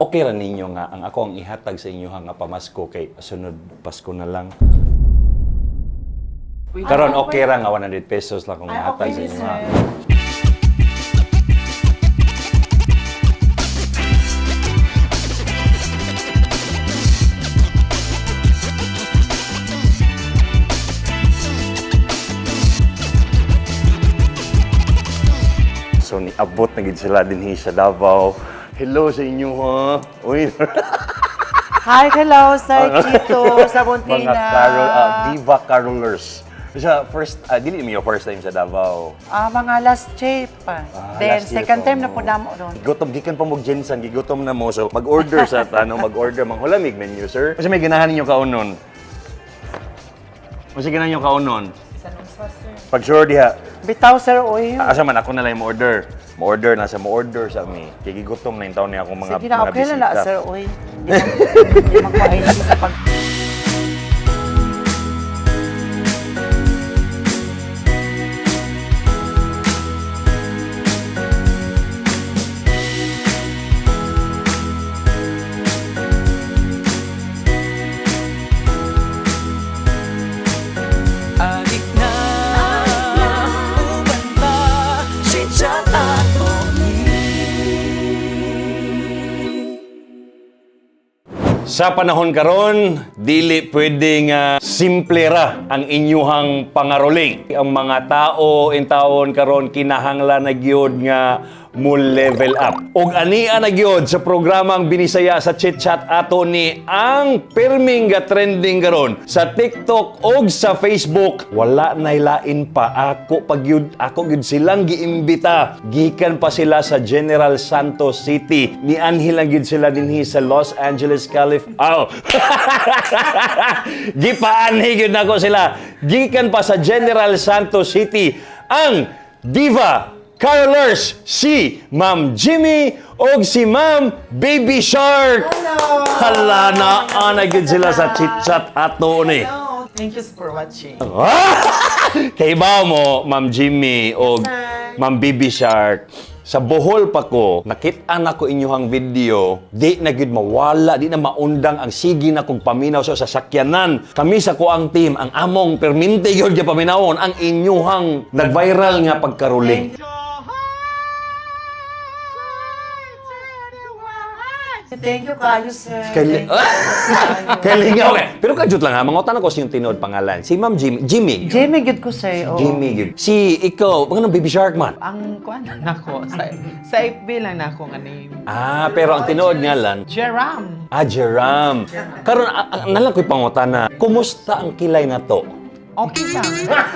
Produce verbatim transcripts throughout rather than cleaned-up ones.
Okay ra ninyo nga ang ako ang ihatag sa inyo nga pamasko kay sunod Pasko na lang. Karon okay ra nga one hundred pesos lang kung Ay, ihatag okay, sa inyo sir. ha. So niabot na gid sila dinhi sa Davao. Hello sa inyo ha. Uy. Hi, hello, Sir Chito, sa Buntina. Mga carol, ah, diva carolers. Sa first, uh, dili mo yung first time sa Davao. Ah, mga last year pa. Ah, Then, last year second pa time na mo. po namo doon. Gigotom, gikan pa mo Jensen, gigotom na mo. So, mag-order sa, ano, mag-order. Manghulamig menu, sir. Kasi may ganahan ninyo kaunon. Kasi ganahan ninyo kaunon. Pag sure diha, Bitaw, sir, oy. asa man ako na lang yung order. Mo-order na sa mo-order sa mi. Kaya gigotom na yung taon niya akong mga, Sige na, mga okay na na, bisita. sir, oy. Hindi magpahin sa pag... Adik na uban ba si Chat ato ni. Sa panahon karon, dili pwedeng uh, simple ra ang inyuhang pangaroling. Ang mga tao in taon karon kinahanglan na gyud nga mo level up. Og ania na gyud sa programang binisaya sa Chit Chat ato ni ang pirming ga trending karon sa TikTok og sa Facebook. Wala nay lain pa ako pag gyud ako gyud silang giimbita. Gikan pa sila sa General Santos City. Ni anhil lang gyud sila dinhi sa Los Angeles, California. Oh. Gipaanhi gyud nako sila. Gikan pa sa General Santos City ang diva carolers si Ma'am Jimmy og si Ma'am Baby Shark. Hello! Hala na ana gyud sila sa chit-chat ato ni. Hello! Thank you for watching. Kay ba mo Ma'am Jimmy og sir. Ma'am Baby Shark. Sa Bohol pa ko, nakita na ko inyong video, di na gyud mawala, di na maundang ang sige na kong paminaw sa sasakyanan. Kami sa kuang team, ang among perminte gyud gyud paminawon ang inyuhang nag-viral nga pagkaruling. Thank you kayo, sir. Kay Kalingaw eh. Pero kajut lang ha, mangutan ako siyang tinod pangalan. Si Ma'am Jimmy. Jimmy. Jimmy, good ko, sir. oo. Jimmy gyud. Si ikaw, pang Baby Shark man. Ang kuan nako sa sa F B lang nako nga name. Ah, pero ang tinuod nga lang, Jeram. ah, Jeram. Karon ang nalang ko'y pangutana, kumusta ang kilay na to? Okay lang.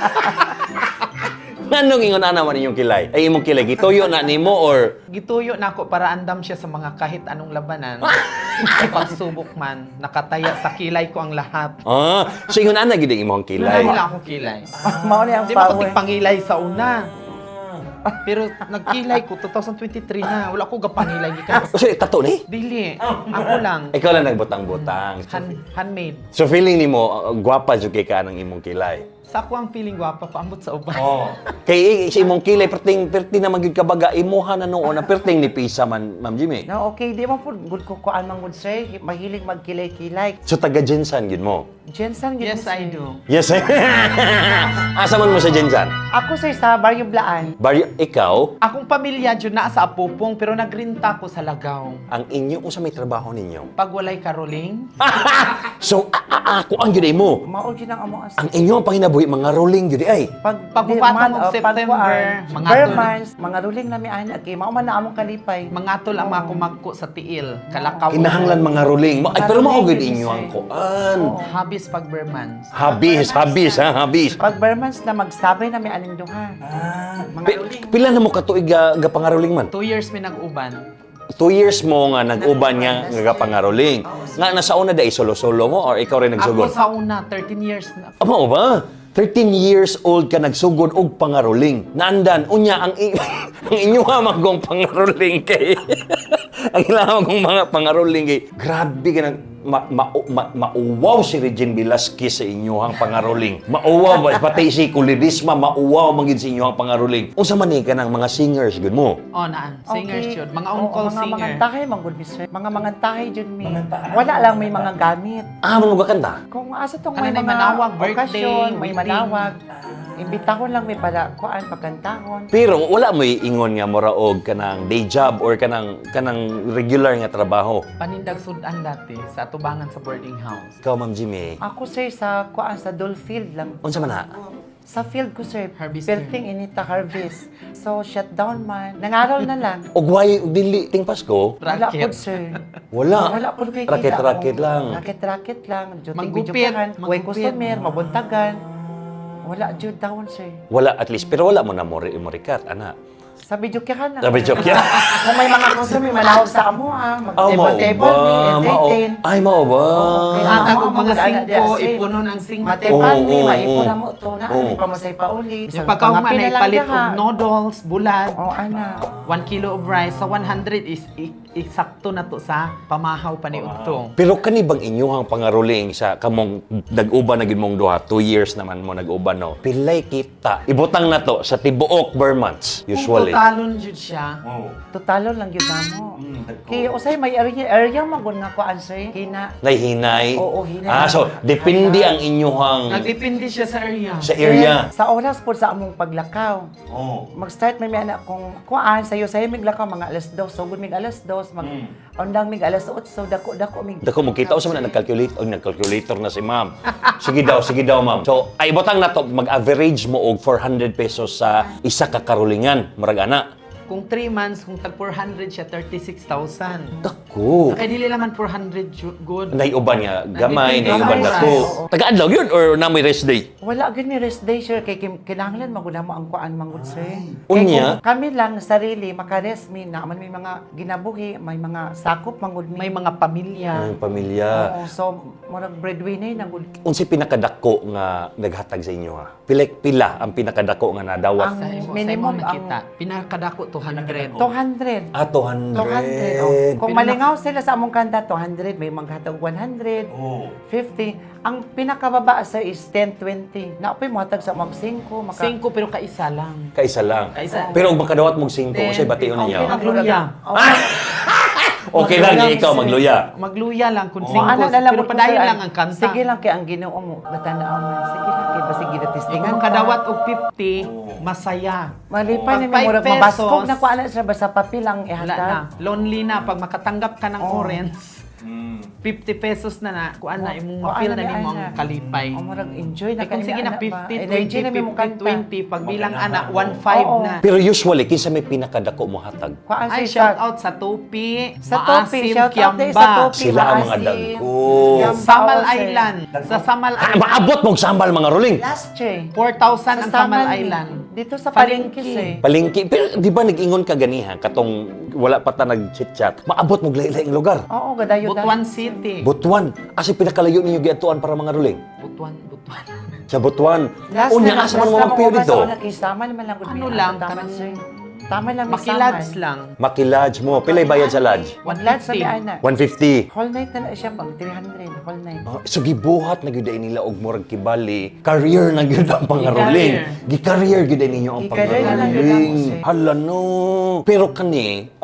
Nganong ingon ana man inyong kilay? Ay imong kilay gituyo na nimo or Gituyo nako para andam siya sa mga kahit anong labanan. Ipagsubok man, nakataya sa kilay ko ang lahat. ah, so ingon ana gid ang imong kilay. Kilay. Wala akong kilay. Mao ni ang Hindi mo ko power. tigpangilay sa una. Pero nagkilay ko twenty twenty-three na. Wala ko gapangilay gikan. Kasi tato ni? Dili. Ako lang. Ikaw lang nagbutang-butang. Han, handmade. So feeling nimo uh, gwapa jud kay ka ng imong kilay. Sa ako ang feeling gwapa paambot sa uban. Oh. Kay sa imong kilay perting perting naman gyud kabaga imuha na noon na perting ni pisa man Ma'am Jimmy. No, okay, di mo po good ko kuan man good, sir. Mahilig magkilay-kilay. So taga Jensan gid mo. Jensen, good Yes, mo, I sir. do. Yes. Asa man mo sa Jensan? Ako, sir, sa Barrio Blaan. Baryo ikaw Akong pamilya dyan na sa Apupong pero nagrinta ko sa Lagaw. ang inyo unsa may trabaho ninyo? Pag walay karoling, So a- a- ako ang gyud mo. Mao gyud ang among as. Ang inyo ang panginabuhi mga rolling gyud ay. Pag Pagbubatan man, og oh, September, pagkuan, mga Burmans, mga ruling na mi ana kay mao man na among kalipay. mga tol ang mga kumagko sa tiil, kalakaw. Kinahanglan mga rolling. Ma- Ay, pero mao gyud inyo ang Oo. kuan. Habis pag Burmans. Habis, habis ha, habis. Pag Burmans na magsabay na mi aning duha. Mga Pi- ruling. pila na mo katuig ga, ga pangaroling man? Two years may nag-uban. Two years mo nga nag-uban nga nga pangaroling. Nga nasa una dai solo-solo mo or ikaw rin Ako nagsugod? sa una, thirteen years na. Amo ba? thirteen years old ka nagsugod og pangaroling. Naandan unya ang i- ang inyo nga magong pangaroling kay. Ang ilang kong mga pangaroling kay. Grabe ka nag ma, ma, ma, mauwaw si Regine Velasquez sa inyong pangaroling. Mauwaw ba pati si Kulidisma mauwaw man gid sa inyong pangaroling. Unsa man ni kanang mga singers gud mo? Oh, naan. Singers Okay. yun. Mga Oo, on-call mga singer. mangantahay, manggod, mister. Mga mangantahay, Jun, mi. Wala lang may mga gamit. Ah, mo gakanta? Kung asa tong Kanang may may mga manawag, birthday, okasyon, may wedding. manawag, imbitahon lang may para kuan pagkantahon. Pero wala mo ingon nga mora og kanang day job or kanang kanang regular nga trabaho. Panindag sudan dati sa atubangan sa boarding house. Ikaw, Ma'am Jimmy, Ako sir sa kuan sa Dole-field lang. unsa man na? Sa field ko sir, Harvester. Perting inita harvest. So shutdown man. Nangaral na lang. Og why og dili ting Pasko? Wala Racket. po sir. Wala. Wala po kay Racket-racket lang. Racket-racket lang. Manggupit, Juting-jupihan. Way manggupit. customer, mabuntagan. Wala jud down sir. Wala at least pero wala mo na mo morikat ana. Sa videokehan lang. Sa videokehan. Kung may mga customer manawag sa amo ah, Oh, mao mag-table-table, ba? may Mao. entertain. Ay, mao ba? Okay. Ang Ah, mga mga singko, ana- ipunon ang singko. Matepan Oo, mi, oo, maipon oo. na mo to na. Oo. Di pa masay pa uli. Yung pagkahuman na ipalit og no. noodles, bulat. Oh, ana. One kilo of rice sa one hundred is i- eksakto na to sa pamahaw pa ni Udtong. Pero kani bang inyuhang pangaruling sa kamong nag-uban na gid mong duha, two years naman mo nag-uban no. Pilay kita. Ibutang na to sa tibuok per months usually. Kung totalon jud siya, Totalo lang yun na mo. Kaya usay may area, area magun nga ko answer. Kina. Nay hinay. Oo, hinay. Ah, so depende ang inyuhang nagdepende siya sa area. sa area. Sa oras po sa among paglakaw. Oh. Mag-start may may anak kung kuan sayo sayo mig lakaw mga alas dos. So good mig alas dos, mag ondang mig alas eight. So dako dako mig. Dako mo kita usa man na nag-calculate og nag-calculator na si ma'am. Sige daw, sige daw ma'am. So ay ibutang na to mag-average mo og four hundred pesos sa isa ka karulingan, murag ana. Kung three months, kung tag four hundred siya, thirty-six thousand. Dako. Kaya dili naman four hundred ju- good. Naiuban nga gamay, Nandito naiuban gamay, dako. oo. Taga-adlaw yun or na may rest day? Wala gid mi rest day sir kay kim- kinahanglan maguna mo ang kuan mangud sir. Kay Unya? kung kami lang sarili maka-rest mi na man may mga ginabuhi, may mga sakop mangud mi. May mga pamilya. Ang pamilya. Oo, so murag breadwinner na gud. Unsi pinakadako nga naghatag sa inyo ha? Pila pila ang pinakadako nga nadawat? Ang Sa imo, minimum sa imo nakita, pinakadako two hundred. two hundred. Ah, two hundred. two hundred. Oh. Kung Pinaka- malingaw sila sa among kanta, two hundred. May maghatag one hundred, fifty. Ang pinakababa sa is ten, twenty. Naapay mo hatag sa mga cinco. Maka... Cinco pero kaisa lang. Kaisa lang. Kaisa. Pero kung makadawat mong singko, Then, kasi bation Okay, niya. Magluya. Okay. Okay lang, Magluya, ikaw sir. magluya. Magluya lang kung Kung cinco. ano na lang Pero mo ko, padayon sir, lang ang kanta. Sige lang kay ang ginoo mo. Natanaaw man. Sige lang kay basig Kung ginatistingan makadawat og fifty, masaya. Malipay Pag ni five murag pesos, mabaskog na kuan sa basta papel ang Wala na. ihatag. Lonely na. Pag makatanggap ka ng Oh. orange, fifty pesos na na. Kuan na, imong Kuan ma-feel na na ni nimo ang ana. kalipay. Oh, murag enjoy na Eh, kung kani sige na ana ba? fifty, Energy twenty, na may mong fifty, kanta. twenty. Pag bilang ana, one five Oo. na. Pero usually, kinsa may pinakadako mo hatag? Kuan Ay, siya shout out sa Tupi, Sa Tupi, Maasim, shout out din sa Kiamba, Tupi. Sila ang mga Maasim. dagko. Kiamba, Samal sir. Island. Sa Samal Ah, Island, maabot mong sambal mga ruling. Last year. four thousand ang Samal Samal, Island. Dito sa Palengke. Palengke sir. Palingki. Pero di ba nag-ingon ka ganiha, katong wala pa ta nag-chit-chat, maabot mong lain-laing lugar. Oo, gadayo Butuan City. Butuan. Asi pinakalayo ninyo giatuan para mga ruling. Butuan, Butuan. Sa Butuan. Last Unya, na- asa man last mo na magpiyo mga dito? basa, nakisama naman lang. Ano gud, lang, tama, kanang- sir. Tama lang, may Makilads saman. lang. Makilodge mo. Pilay bayad sa lodge? One lads sa fifty. biana. one fifty. Whole night na na siya pang three hundred. Whole night. Ah, so gibuhat na gyud nila og murag kibali. Career na gyud ang pangaruling. Gi-career gyud ninyo ang Gi-career na lang gyud pangaruling. ako, sir. Hala no. Pero kani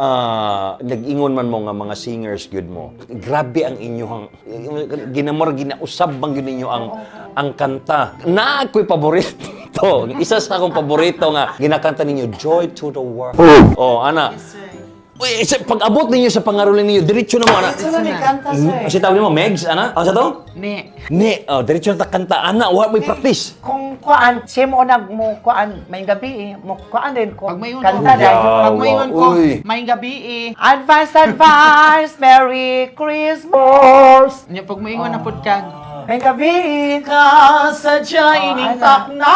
ah nag-ingon man mo nga mga singers gyud mo. Grabe ang inyong ginamor ginausab bang gyud ninyo ang ang kanta. Na ako'y paborito. Isa sa akong paborito nga ginakanta ninyo, Joy to the World. Oh, ana. Uy, isa- pag-abot ninyo sa pangaruling ninyo, diretso na mo, ana. Ito na may kanta, Mm, sir. Kasi tawag mo, Megs, ana? Ano sa to? Ne. Ni, oh, diretso na ta kanta. Ana, wa may practice. Kung kuan, siya mo nag mo kuan, may gabi eh. Mo kuan din ko. Pag may Kanta uno, dahil. Yeah. pag may iwan ko, Uy. may gabi eh. Advance, advance, Merry Christmas! Nya pag may iwan na pod kag May gabi ka. Kasadya ining ala. takna.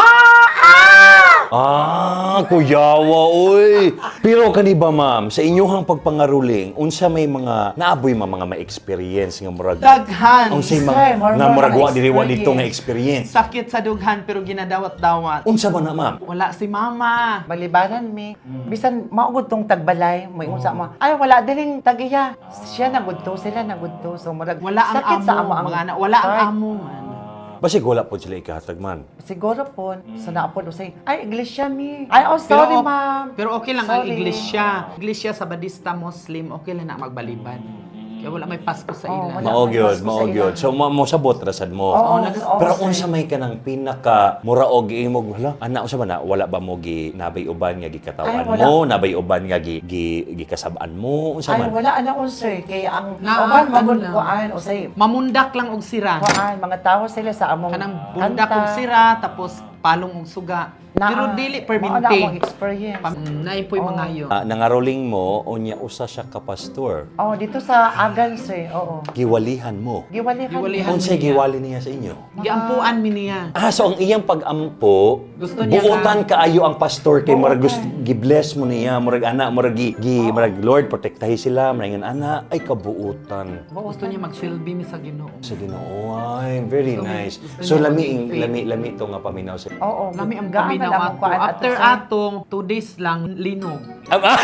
Ah, kuyawa, oy. Pero kani ba, ma'am, sa inyong pagpangaruling, unsa may mga naaboy ma mga ma-experience nga murag Daghan. unsay Sir, mga more nga mga murag wa diri wa dito experience. nga experience. Sakit sa dughan pero ginadawat-dawat. Unsa ba na, ma'am? Wala si mama. Balibaran mi. Bisan maugod tong tagbalay, may unsa mo. Ay wala diring tagiya. Siya nagudto, sila nagudto. So murag Wala ang sakit amo. sa amo ang mga anak. Wala ang heart. amo man. Basig wala po sila ikahatag man. Siguro po, sa naapod usay, ay, iglesia mi. Ay, oh, sorry, Pero, ma'am. Pero okay lang ang Sorry. iglesia. Iglesia sa Badista Muslim, okay lang na magbalibad. Kaya wala may Pasko sa Oh, ila. wala. Mao gyud, Pasko mao sa gyud. ilang. So mo mo sabot rasad mo. Oo, nag- oo, Pero sir. unsa may kanang pinaka mura og imog wala ana unsa ba na wala ba mo gi nabay uban nga gikatawan Ay, wala. mo, nabay uban nga gi, gi gikasab-an mo, unsa Ay, man? wala anak ko, sir. Kaya ang Na- uban, ano magod lang. kuan, usay, Mamundak lang og sira. kuan, mga tao sila sa among Kanang bundak og kanta. sira tapos palong og suga. Na- Pero dili Mao na akong perminti. experience. Pam- Naay po'y mga yo. Ah, nangaroling mo unya usa siya ka pastor. Oh, dito sa Agan, sir. Oo. Giwalihan mo. Giwalihan. Giwalihan. Unsay niya. giwali niya sa inyo? Giampuan mi niya. Ah, so ang iyang pag-ampo, Gusto niya buotan kaayo ang pastor kay murag Buotan. gusto gi-bless mo niya, murag ana, murag gi, gi murag Lord protektahi sila, murag ana ay kabuutan. Gusto niya magsilbi mi sa Ginoo. Sa Ginoo, ay very Gusto niya- nice. gusto So niya lami maging faith. lami lami to nga paminaw sa. Oo. Lami ang gaan paminaw na lang ato. ang kuan ato, After sir. atong two days lang linog. Ah,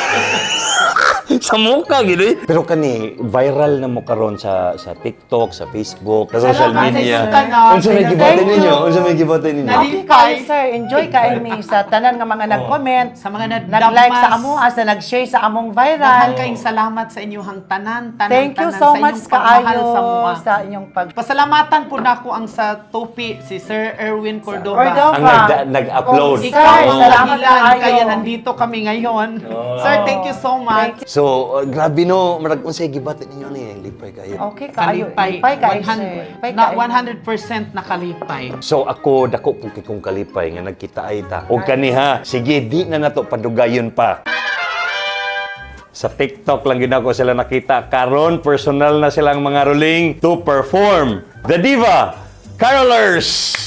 sa mukha gid. Pero kani viral na mo karon sa sa TikTok, sa Facebook, sa social Salamat, media. sir. Unsa may Thank giboten you. ninyo? Unsa may giboten ninyo? Nali- Okay kayo, sir. Enjoy kayo mi sa tanan nga mga nag-comment. Sa mga nad- Nag-like dagmas. sa amo, sa nag-share sa among Daghang viral. kayong salamat sa inyong tanan, tanan, Thank you tanan, so sa much inyong pagmahal kaayo sa mua. sa inyong pag... Pasalamatan po na ako ang sa topi, si Sir Erwin Cordova. Cordova. Ang nagda- nag-upload. Oh, Ikaw sir, ang salamat dahilan, kaayo. kaya nandito kami ngayon. Sir, thank you so much. So, uh, grabe no, marag unsay giboten ninyo ni lipay kayo. Okay kayo. Kalipay. Lipay kayo, one hundred sir. Lipay na kayo. one hundred percent nakalipay. So ako dako pug kong kalipay nga nagkita ay ta. O kaniha, sige di na nato padugayon pa. Sa TikTok lang gid ako sila nakita karon personal na silang mga ruling to perform The Diva Carolers.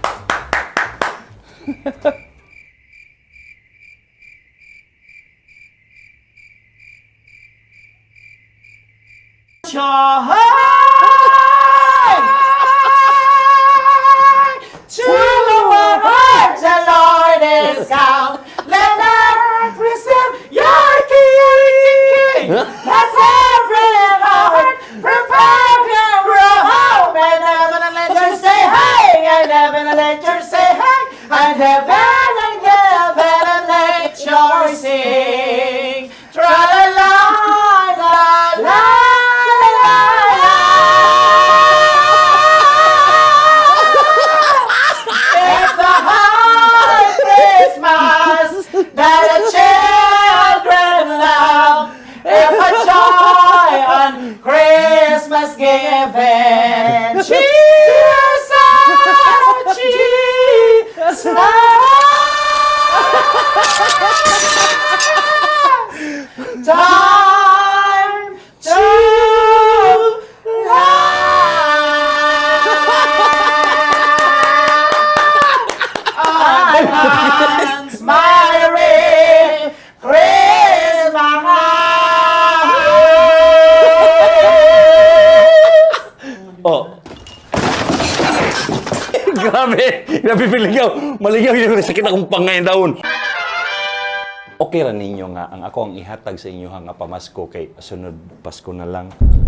To the world, the Lord is come. Let earth receive your King. Let's every heart prepare your home. And heaven and let you say hey. And heaven and let you say hey. And heaven and heaven and let you sing. Tra la la la la la. It's the high Christmas that the children love. It's a joy on Christmas given. Jesus, Jesus. Time to advance Merry Christmas. Oh. Grabe! Grabe piligaw! Maligaw yun. Sakit akong pangay daon. Okay ra ninyo nga ang ako ang ihatag sa inyo nga pamasko kay sunod Pasko na lang.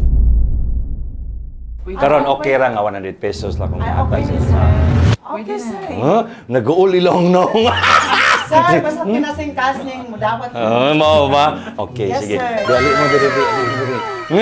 Karon okay ra nga one hundred pesos lang akong Ay, ihatag okay, sa sir. inyo. Okay, sir. Ha? Nag-uuli lang na ako nga. Sir, basta pinasing casting mo dapat. Ah, mao ba? Okay, Yes, sige. sir. Dali mo dali dali dali.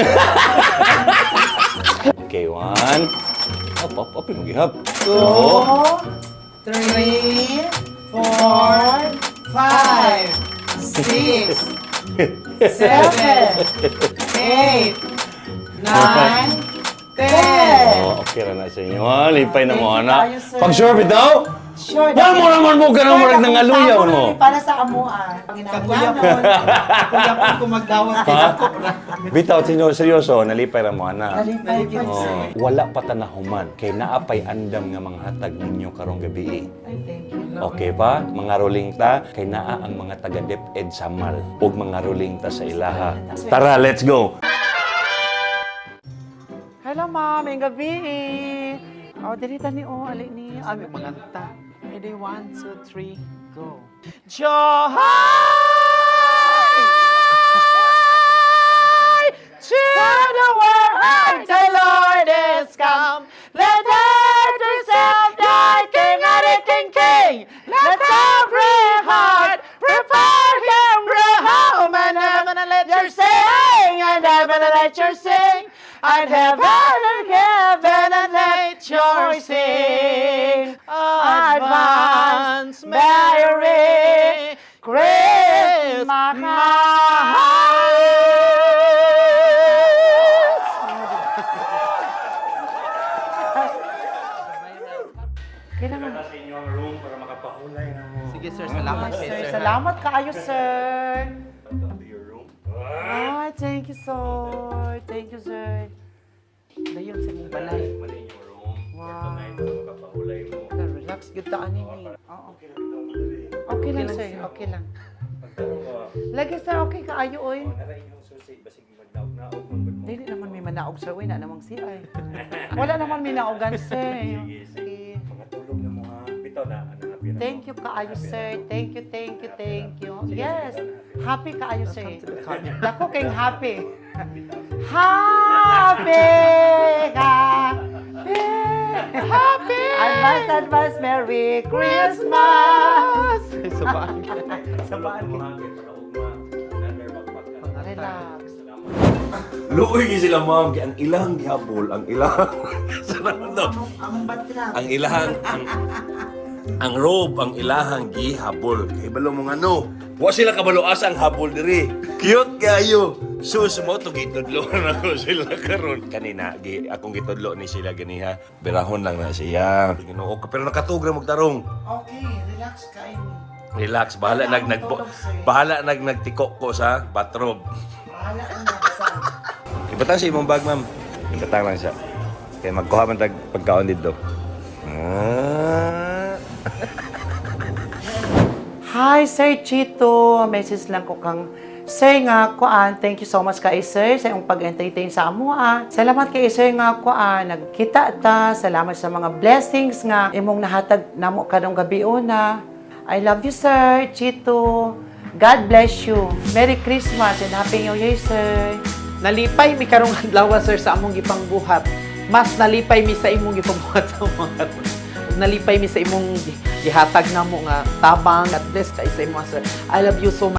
Okay, one. Up, up, up, yung gihap. Two. Two, three, four, five, six, seven, eight, nine, ten. Oh, okay ra na sa inyo. Ha? Lipay na mo, Thank you anak. tayo, sir. Pag sure bitaw, Sure. Wala mo naman mo ka ng murag ng aluyaw mo. Para sa amuan. Kakuyapon. Kakuyapon kung magdawat kay ako. Bitaw, sino seryoso, nalipay ra mo ana. Nalipay pa Oh, sir. wala pa tanahuman kay naapay andam nga mga hatag ninyo karong gabi. Ay, thank you. Okay pa? Mga ruling ta kay naa ang mga taga DepEd Samal ug mga ruling ta sa ilaha. Tara, let's go. Hello, ma'am. May gabi. Oh, dili tani o ali ni. Ay, may maganta. Ready, one, two, three, go. Joy to the world, the Lord is come. Let earth herself thy King and the King King. Let every heart prepare him home, and heaven and let your sing, and heaven and let your sing, and heaven and heaven and let your sing. Advance Merry Christmas. Kailangan. Sa inyong room para makapahulay na mo. Sige sir, salamat Sir, sir. salamat kaayo, sir. To your room. Ah, thank you, sir. Thank you, sir. Dayon sa mong balay. Mali inyong room. Wow. Ito na ito makapahulay mo. Relax, good taan nini. Oo. Okay lang, sir. Okay lang. Lagi, sir. Okay kaayo, oy. Nara inyong susi, basig magdaog-naog man gud mo. Dili naman may manaog, sir. Uy, na namang si ay. Wala naman may naogan, sir. Sige. Mga tulog na mo ha. Bitaw na ano na pira. Thank you kaayo, sir. Thank you, thank you, thank you. Yes. Happy kaayo, sir. Dako kayong happy. Happy ka. Happy. Advance, advance, Merry Christmas. Sabaan. Sabaan ka. Relax. Relax. Luoy gi sila ma'am kay ang ilang gihapol, ang ilang Salamat daw. Ang batrap. Ang ilahang ang ang robe ang ilahang gihabol. Kay balo mo ano? Wa sila kabalo asa ang habol diri. Cute kayo. Sus mo to gitudlo na ako sila karon. Kanina gi akong gitudlo ni sila ganiha. Berahon lang na siya. Ginoo ka pero nakatugra magtarong. Okay, relax kayo. Relax, bahala nag nag bahala nag nagtikok ko sa bathrobe. Bahala ang nabasang. Ibatang sa imong bag, ma'am. Ibatang lang siya. Kaya magkuha man tag pagkaon dito. Ah. Hi, Sir Chito. Message lang ko kang Sir nga kuan. Thank you so much kay Sir sa iyong pag-entertain sa amo. Ah. Salamat kay Sir nga kuan. Nagkita ta. Salamat sa mga blessings nga imong nahatag namo kadong gabi una. I love you, Sir Chito. God bless you. Merry Christmas and Happy New Year, Sir. Nalipay mi karong adlaw sir sa among gipangbuhat. Mas nalipay mi sa imong gipangbuhat sa mga nalipay mi sa imong gi- gihatag namo nga tabang at bless kay sa imo sir. I love you so much.